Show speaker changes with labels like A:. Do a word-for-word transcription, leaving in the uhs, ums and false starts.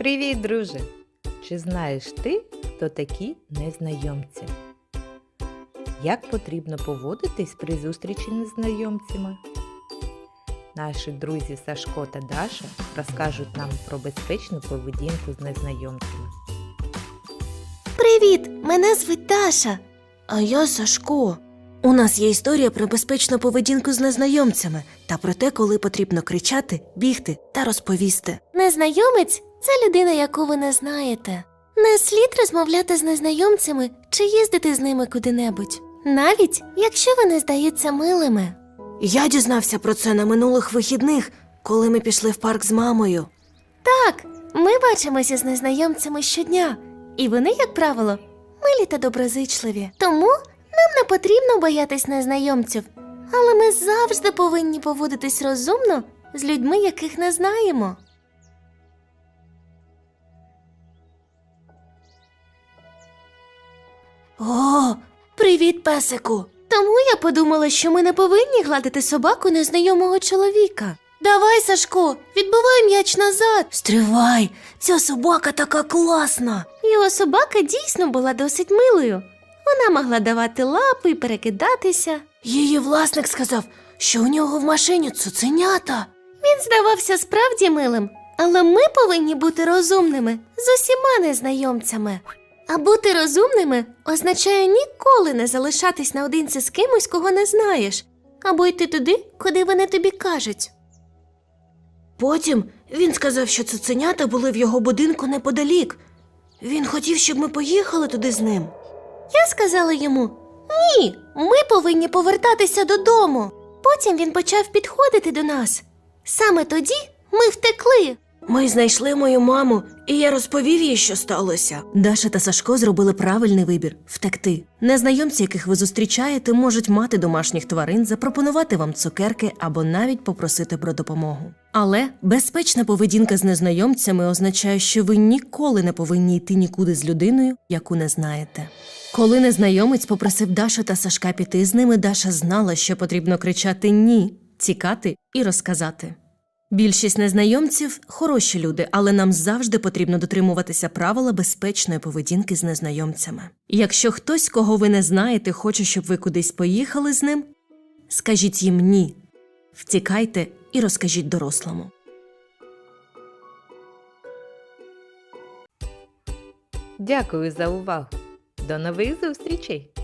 A: Привіт, друже! Чи знаєш ти, хто такі незнайомці? Як потрібно поводитись при зустрічі з незнайомцями? Наші друзі Сашко та Даша розкажуть нам про безпечну поведінку з незнайомцями.
B: Привіт! Мене звуть Даша. А я Сашко. У нас є історія про безпечну поведінку з незнайомцями та про те, коли потрібно кричати, бігти та розповісти. Незнайомець – це людина, яку ви не знаєте. Не слід розмовляти з незнайомцями чи їздити з ними куди-небудь. Навіть, якщо вони здаються милими. Я дізнався про це на минулих вихідних, коли ми пішли в парк з мамою. Так, ми бачимося з незнайомцями щодня. І вони, як правило, милі та доброзичливі. Тому нам не потрібно боятись незнайомців. Але ми завжди повинні поводитись розумно з людьми, яких не знаємо. О, привіт, песику! Тому я подумала, що ми не повинні гладити собаку незнайомого чоловіка. Давай, Сашко, відбивай м'яч назад. Стривай, ця собака така класна. Його собака дійсно була досить милою. Вона могла давати лапи і перекидатися. Її власник сказав, що у нього в машині цуценята. Він здавався справді милим, але ми повинні бути розумними з усіма незнайомцями. А бути розумними означає ніколи не залишатись наодинці з кимось, кого не знаєш, або йти туди, куди вони тобі кажуть. Потім він сказав, що цуценята були в його будинку неподалік. Він хотів, щоб ми поїхали туди з ним. Я сказала йому, ні, ми повинні повертатися додому. Потім він почав підходити до нас. Саме тоді ми втекли. Ми знайшли мою маму, і я розповів їй, що сталося. Даша та Сашко зробили правильний вибір – втекти. Незнайомці, яких ви зустрічаєте, можуть мати домашніх тварин, запропонувати вам цукерки або навіть попросити про допомогу. Але безпечна поведінка з незнайомцями означає, що ви ніколи не повинні йти нікуди з людиною, яку не знаєте. Коли незнайомець попросив Дашу та Сашка піти з ними, Даша знала, що потрібно кричати «ні», тікати і розказати. Більшість незнайомців – хороші люди, але нам завжди потрібно дотримуватися правила безпечної поведінки з незнайомцями. Якщо хтось, кого ви не знаєте, хоче, щоб ви кудись поїхали з ним, скажіть їм «ні», втікайте і розкажіть дорослому.
A: Дякую за увагу! До нових зустрічей!